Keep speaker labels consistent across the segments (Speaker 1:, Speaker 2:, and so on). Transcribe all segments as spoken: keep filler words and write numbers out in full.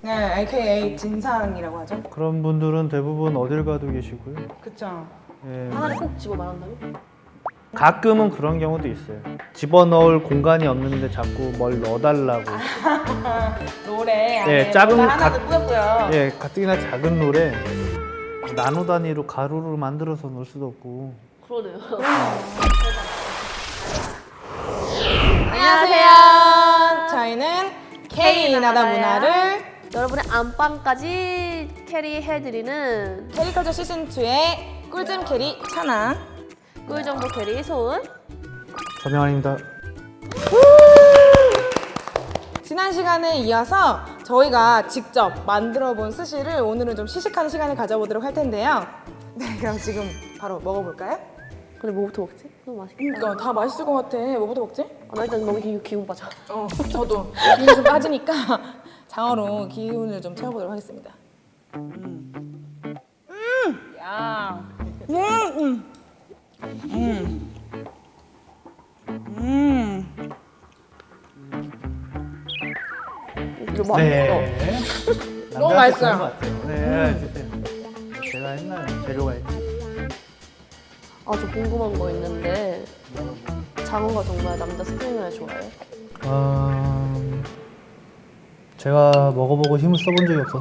Speaker 1: 네, 에이케이에이 진상이라고 하죠.
Speaker 2: 그런 분들은 대부분 어딜 가도 계시고요.
Speaker 1: 그쵸.
Speaker 2: 예.
Speaker 3: 하나를 꼭 집어 말한다면?
Speaker 2: 가끔은 그런 경우도 있어요. 집어넣을 공간이 없는데 자꾸 뭘 넣어달라고.
Speaker 1: 노래 안에
Speaker 2: 예, 작은
Speaker 1: 뭔가 하나도
Speaker 2: 가-
Speaker 1: 뿌였고요.
Speaker 2: 예, 가뜩이나 작은 롤에 나노 단위로 가루를 만들어서 넣을 수도 없고.
Speaker 3: 그러네요.
Speaker 1: 안녕하세요. 저희는 K 나다 문화를
Speaker 3: 여러분의 안방까지 캐리해드리는
Speaker 1: 캐리커처 시즌이의 꿀잼 캐리 찬아.
Speaker 3: 꿀정보 캐리 소은.
Speaker 2: 서명환입니다.
Speaker 1: 지난 시간에 이어서 저희가 직접 만들어 본 스시를 오늘은 좀 시식하는 시간을 가져보도록 할 텐데요. 네, 그럼 지금 바로 먹어볼까요?
Speaker 3: 근데 뭐부터 먹지? 너무 맛있겠다.
Speaker 1: 그러니까 다 맛있을 것 같아. 뭐부터 먹지?
Speaker 3: 아, 나 일단 너무 기, 기운 빠져.
Speaker 1: 어, 저도 기운이 좀 빠지니까 장어로 기운을 좀 채워보도록 하겠습니다. 음, 음, 야, 음, 음, 음, 음.
Speaker 3: 이거 맛있어.
Speaker 2: 네.
Speaker 1: 너무
Speaker 2: 남자한테
Speaker 1: 맛있어요.
Speaker 2: 좋은 것 같아요. 네, 진짜. 제가 했나요? 재료가 있지.
Speaker 3: 아, 저 궁금한 거 있는데 장어가 정말 남자 스팸을 좋아해요?
Speaker 2: 어... 제가 먹어보고 힘을 써본 적이 없어서.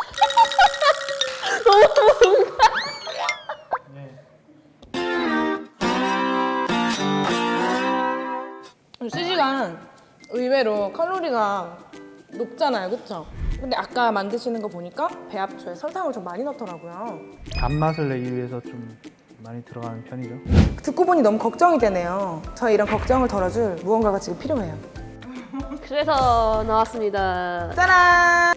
Speaker 1: 스시가 의외로 칼로리가 높잖아요, 그쵸? 근데 아까 만드시는 거 보니까 배합초에 설탕을 좀 많이 넣더라고요.
Speaker 2: 단맛을 내기 위해서 좀 많이 들어가는 편이죠.
Speaker 1: 듣고 보니 너무 걱정이 되네요. 저희 이런 걱정을 덜어줄 무언가가 지금 필요해요.
Speaker 3: 그래서 나왔습니다.
Speaker 1: 짜란!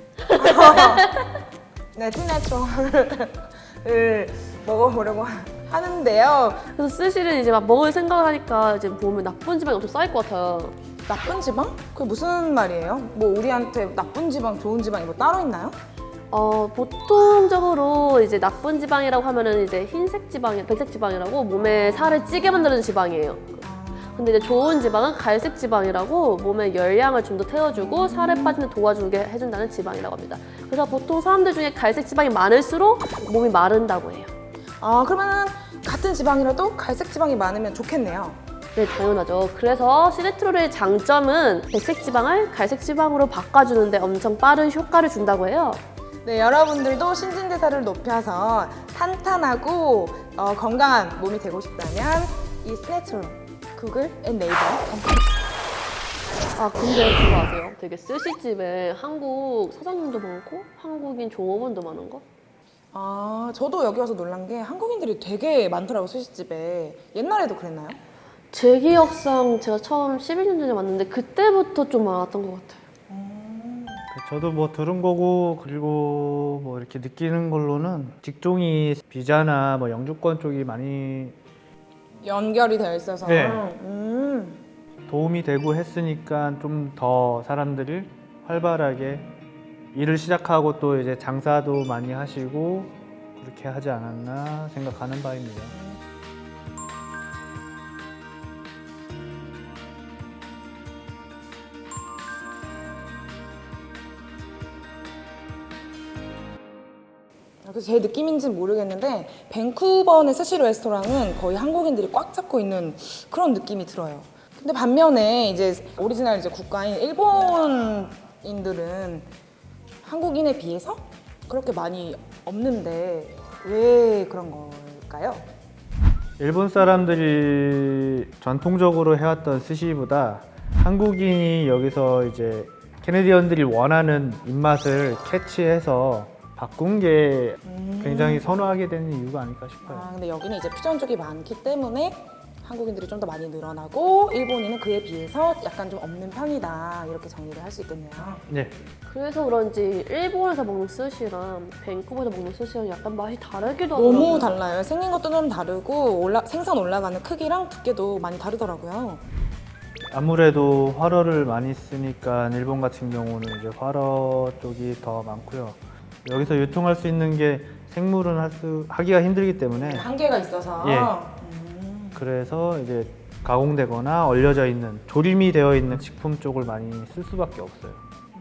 Speaker 1: 네, 티내추럴을 먹어보려고 하는데요.
Speaker 3: 그래서 스시를 이제 막 먹을 생각을 하니까 이제 보면 나쁜 지방이 엄청 쌓일 것 같아요.
Speaker 1: 나쁜 지방? 그게 무슨 말이에요? 뭐 우리한테 나쁜 지방, 좋은 지방이 뭐 따로 있나요?
Speaker 3: 어, 보통적으로 이제 나쁜 지방이라고 하면은 이제 흰색 지방, 백색 지방이라고 몸에 살을 찌게 만드는 지방이에요. 근데 이제 좋은 지방은 갈색 지방이라고 몸에 열량을 좀 더 태워주고 살에 빠지는 도와주게 해준다는 지방이라고 합니다. 그래서 보통 사람들 중에 갈색 지방이 많을수록 몸이 마른다고 해요.
Speaker 1: 아, 그러면 같은 지방이라도 갈색 지방이 많으면 좋겠네요.
Speaker 3: 네, 당연하죠. 그래서 시네트롤의 장점은 백색 지방을 갈색 지방으로 바꿔주는데 엄청 빠른 효과를 준다고 해요.
Speaker 1: 네, 여러분들도 신진대사를 높여서 탄탄하고 어, 건강한 몸이 되고 싶다면 이 스네트롤 구글 앤 네이버 검색해주세요.
Speaker 3: 아, 근데 그거 아세요? 되게 스시집에 한국 사장님도 많고 한국인 종업원도 많은 거?
Speaker 1: 아, 저도 여기 와서 놀란 게 한국인들이 되게 많더라고요, 스시집에. 옛날에도 그랬나요?
Speaker 3: 제 기억상 제가 처음 십일 년 전에 왔는데 그때부터 좀 많았던 것 같아요.
Speaker 2: 저도 뭐 들은 거고 그리고 뭐 이렇게 느끼는 걸로는 직종이 비자나 뭐 영주권 쪽이 많이
Speaker 1: 연결이 되어 있어서.
Speaker 2: 네.
Speaker 1: 음.
Speaker 2: 도움이 되고 했으니까 좀 더 사람들이 활발하게 일을 시작하고 또 이제 장사도 많이 하시고 그렇게 하지 않았나 생각하는 바입니다.
Speaker 1: 그래서 제 느낌인지는 모르겠는데 밴쿠버의 스시 레스토랑은 거의 한국인들이 꽉 잡고 있는 그런 느낌이 들어요. 근데 반면에 이제 오리지널 이제 국가인 일본인들은 한국인에 비해서 그렇게 많이 없는데 왜 그런 걸까요?
Speaker 2: 일본 사람들이 전통적으로 해왔던 스시보다 한국인이 여기서 이제 캐네디언들이 원하는 입맛을 캐치해서 바꾼 게 굉장히 선호하게 되는 이유가 아닐까 싶어요.
Speaker 1: 아, 근데 여기는 이제 퓨전 쪽이 많기 때문에 한국인들이 좀 더 많이 늘어나고 일본인은 그에 비해서 약간 좀 없는 편이다 이렇게 정리를 할 수 있겠네요.
Speaker 2: 네,
Speaker 3: 그래서 그런지 일본에서 먹는 스시랑 밴쿠버에서 먹는 스시랑 약간 맛이 다르기도 하더라고요.
Speaker 1: 너무 달라요. 생긴 것도 좀 다르고 올라, 생선 올라가는 크기랑 두께도 많이 다르더라고요.
Speaker 2: 아무래도 활어를 많이 쓰니까 일본 같은 경우는 이제 활어 쪽이 더 많고요. 여기서 유통할 수 있는 게 생물은 할 수, 하기가 힘들기 때문에
Speaker 1: 한계가 있어서.
Speaker 2: 예.
Speaker 1: 음.
Speaker 2: 그래서 이제 가공되거나 얼려져 있는 조림이 되어 있는 식품 쪽을 많이 쓸 수밖에 없어요.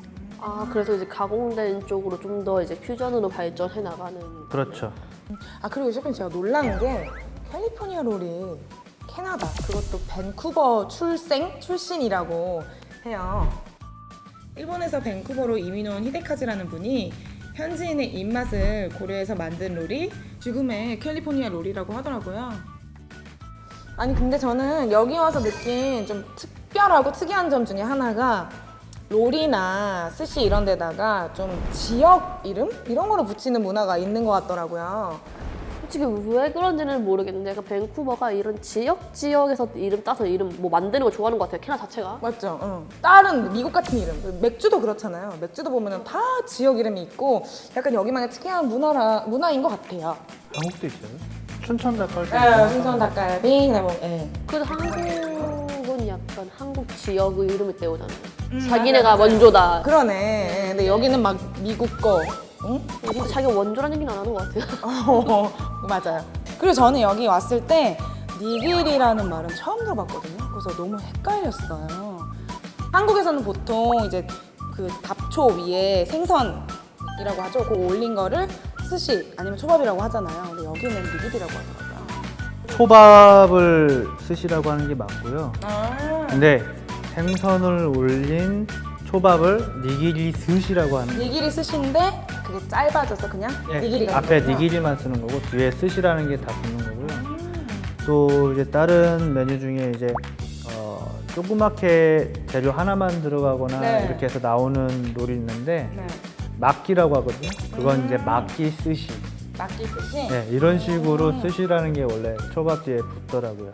Speaker 3: 아 그래서 이제 가공된 쪽으로 좀 더 이제 퓨전으로 발전해 나가는.
Speaker 2: 그렇죠.
Speaker 1: 아 그리고 셰프님 제가 놀란 게 캘리포니아 롤이 캐나다 그것도 밴쿠버 출생 출신이라고 해요. 일본에서 밴쿠버로 이민 온 히데카즈라는 분이 현지인의 입맛을 고려해서 만든 롤이 지금의 캘리포니아 롤이라고 하더라고요. 아니 근데 저는 여기 와서 느낀 좀 특별하고 특이한 점 중에 하나가 롤이나 스시 이런 데다가 좀 지역 이름? 이런 거를 붙이는 문화가 있는 것 같더라고요.
Speaker 3: 솔직히 왜 그런지는 모르겠는데 약간 밴쿠버가 이런 지역 지역에서 이름 따서 이름 뭐 만드는 걸 좋아하는 것 같아요. 캐나다 자체가.
Speaker 1: 맞죠? 응. 다른 미국 같은 이름, 맥주도 그렇잖아요. 맥주도 보면 다 지역 이름이 있고 약간 여기만의 특이한 문화라, 문화인 것 같아요.
Speaker 2: 한국도 있어요. 춘천 닭갈비.
Speaker 1: 네, 순천 닭갈비, 그다음에 뭐, 예.
Speaker 3: 그래도 한국은 약간 한국 지역의 이름을 떼오잖아요.
Speaker 1: 음,
Speaker 3: 자기네가
Speaker 1: 맞아요, 맞아요.
Speaker 3: 원조다.
Speaker 1: 그러네. 예, 근데 여기는 막 미국 거. 응?
Speaker 3: 근데 자기가 원조라는 얘기는 안 하는 것 같아요.
Speaker 1: 어, 맞아요. 그리고 저는 여기 왔을 때 니길이라는 말은 처음 들어봤거든요. 그래서 너무 헷갈렸어요. 한국에서는 보통 이제 그 답초 위에 생선이라고 하죠. 그거 올린 거를 스시 아니면 초밥이라고 하잖아요. 근데 여기는 니길이라고 하더라고요.
Speaker 2: 초밥을 스시라고 하는 게 맞고요.
Speaker 1: 아,
Speaker 2: 근데 생선을 올린 초밥을 니기리 스시라고 하는 거예요.
Speaker 1: 니길이 스시인데 그게 짧아져서 그냥 니길이가
Speaker 2: 앞에
Speaker 1: 있는 거구나.
Speaker 2: 니기리만 쓰는 거고 뒤에 스시라는 게 다 붙는 거고요. 또 이제 다른 메뉴 중에 이제 어, 조그맣게 재료 하나만 들어가거나
Speaker 1: 네.
Speaker 2: 이렇게 해서 나오는 롤이 있는데
Speaker 1: 네.
Speaker 2: 막기라고 하거든요. 그건
Speaker 1: 음.
Speaker 2: 이제 막기 스시.
Speaker 1: 막기 스시.
Speaker 2: 네, 이런 식으로
Speaker 1: 음.
Speaker 2: 스시라는 게 원래 초밥 뒤에 붙더라고요.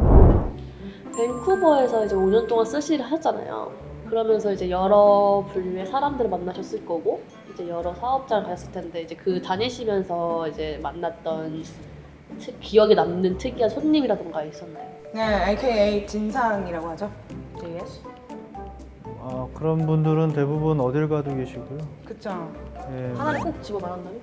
Speaker 3: 밴쿠버에서 이제 오 년 동안 스시를 하셨잖아요. 그러면서 이제 여러 분류의 사람들을 만나셨을 거고 이제 여러 사업자를 가셨을 텐데 이제 그 다니시면서 이제 만났던 특, 기억에 남는 특이한 손님이라던가 있었나요?
Speaker 1: 네, 에이케이에이 진상이라고 하죠. 제이에스.
Speaker 2: 어, 그런 분들은 대부분 어딜 가도 계시고요.
Speaker 1: 그쵸.
Speaker 2: 예,
Speaker 3: 하나를 꼭 집어 말한다면?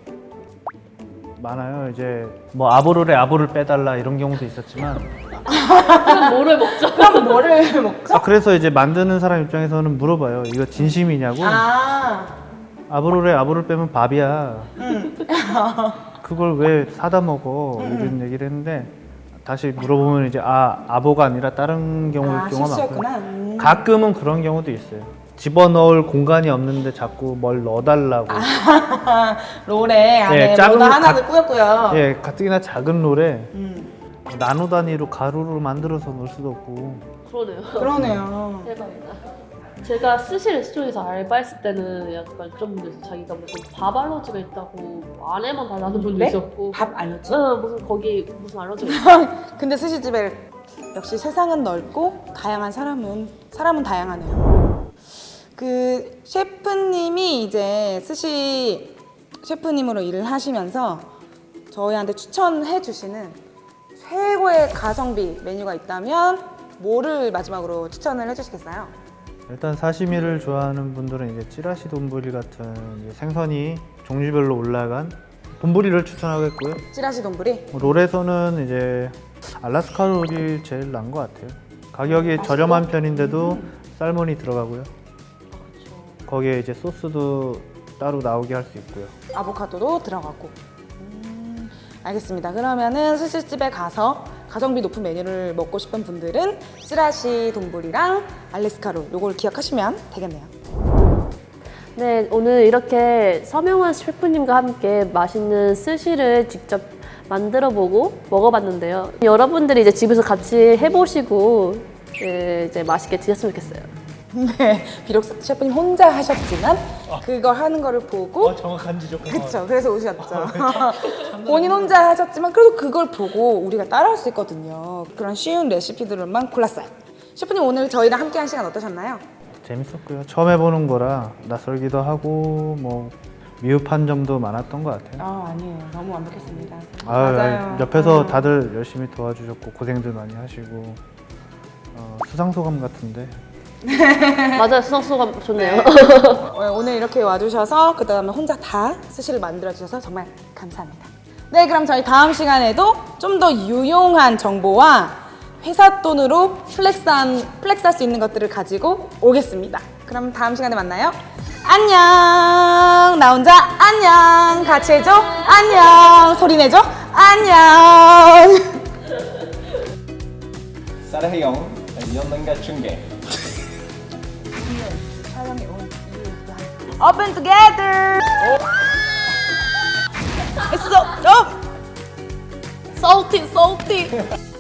Speaker 2: 많아요. 이제 뭐 아보롤에 아보를 빼달라 이런 경우도 있었지만
Speaker 3: 그럼 뭐를 먹죠?
Speaker 1: 그럼 뭐를 먹죠?
Speaker 2: 아, 그래서 이제 만드는 사람 입장에서는 물어봐요. 이거 진심이냐고.
Speaker 1: 아,
Speaker 2: 아보롤에 아보를 빼면 밥이야.
Speaker 1: 음.
Speaker 2: 그걸 왜 사다 먹어? 이런 얘기를 했는데 다시 물어보면 이제 아 아보가 아니라 다른 경우일
Speaker 1: 아,
Speaker 2: 경우가
Speaker 1: 실수였구나.
Speaker 2: 많고요.
Speaker 1: 음.
Speaker 2: 가끔은 그런 경우도 있어요. 집어넣을 공간이 없는데 자꾸 뭘 넣어달라고.
Speaker 1: 아, 롤에 안에
Speaker 2: 예, 작은
Speaker 1: 뭐가
Speaker 2: 가-
Speaker 1: 하나를 꾸몄고요.
Speaker 2: 예, 가뜩이나 작은 롤에
Speaker 1: 음,
Speaker 2: 나노 단위로 가루로 만들어서 넣을 수도 없고.
Speaker 3: 그러네요.
Speaker 1: 그러네요.
Speaker 3: 대박이다. 제가 스시 레스토랑에서 알바했을 때는 약간 그런 분들 있어요. 자기가 무슨 밥 알러지가 있다고 안에만 달라는 분도
Speaker 1: 네?
Speaker 3: 있었고.
Speaker 1: 밥 알렸지?
Speaker 3: 응, 무슨 거기 무슨 알러지가 있어.
Speaker 1: 근데 스시집에 역시 세상은 넓고 다양한 사람은 사람은 다양하네요. 그 셰프님이 이제 스시 셰프님으로 일을 하시면서 저희한테 추천해 주시는 최고의 가성비 메뉴가 있다면 뭐를 마지막으로 추천을 해주시겠어요?
Speaker 2: 일단 사시미를 좋아하는 분들은 이제 찌라시 돈부리 같은 이제 생선이 종류별로 올라간 돈부리를 추천하겠고요.
Speaker 1: 찌라시 돈부리?
Speaker 2: 롤에서는 이제 알라스카 롤이 제일 나은 것 같아요. 가격이 저렴한 편인데도 살몬이 들어가고요. 거기에 이제 소스도 따로 나오게 할 수 있고요.
Speaker 1: 아보카도도 들어가고. 음, 알겠습니다. 그러면은 스시집에 가서 가성비 높은 메뉴를 먹고 싶은 분들은 찌라시 돈부리랑 알래스카롤 요걸 기억하시면 되겠네요.
Speaker 3: 네, 오늘 이렇게 서명환 셰프님과 함께 맛있는 스시를 직접 만들어보고 먹어봤는데요. 여러분들이 이제 집에서 같이 해보시고 예, 이제 맛있게 드셨으면 좋겠어요.
Speaker 1: 네, 비록 셰프님 혼자 하셨지만 그걸 하는 거를 보고
Speaker 2: 정확한 지적.
Speaker 1: 그쵸, 그래서 오셨죠. 본인 혼자 하셨지만 그래도 그걸 보고 우리가 따라할 수 있거든요. 그런 쉬운 레시피들만 골랐어요. 셰프님 오늘 저희랑 함께한 시간 어떠셨나요?
Speaker 2: 재밌었고요. 처음 해보는 거라 낯설기도 하고 뭐 미흡한 점도 많았던 것 같아요.
Speaker 1: 아 아니에요, 너무 완벽했습니다.
Speaker 2: 아, 옆에서
Speaker 1: 음.
Speaker 2: 다들 열심히 도와주셨고 고생들 많이 하시고 어, 수상소감 같은데
Speaker 3: 맞아요, 수상소감 좋네요.
Speaker 1: 어, 오늘 이렇게 와주셔서 그 다음에 혼자 다 스시를 만들어주셔서 정말 감사합니다. 네, 그럼 저희 다음 시간에도 좀 더 유용한 정보와 회사 돈으로 플렉스한, 플렉스할 수 있는 것들을 가지고 오겠습니다. 그럼 다음 시간에 만나요. 안녕. 나 혼자 안녕. 같이 해줘. 안녕. 소리 내줘. 안녕.
Speaker 4: 사랑해요. 연단가 중계.
Speaker 1: 촬영에 온 이유가 Open together. It's so, oh.
Speaker 3: salty, salty.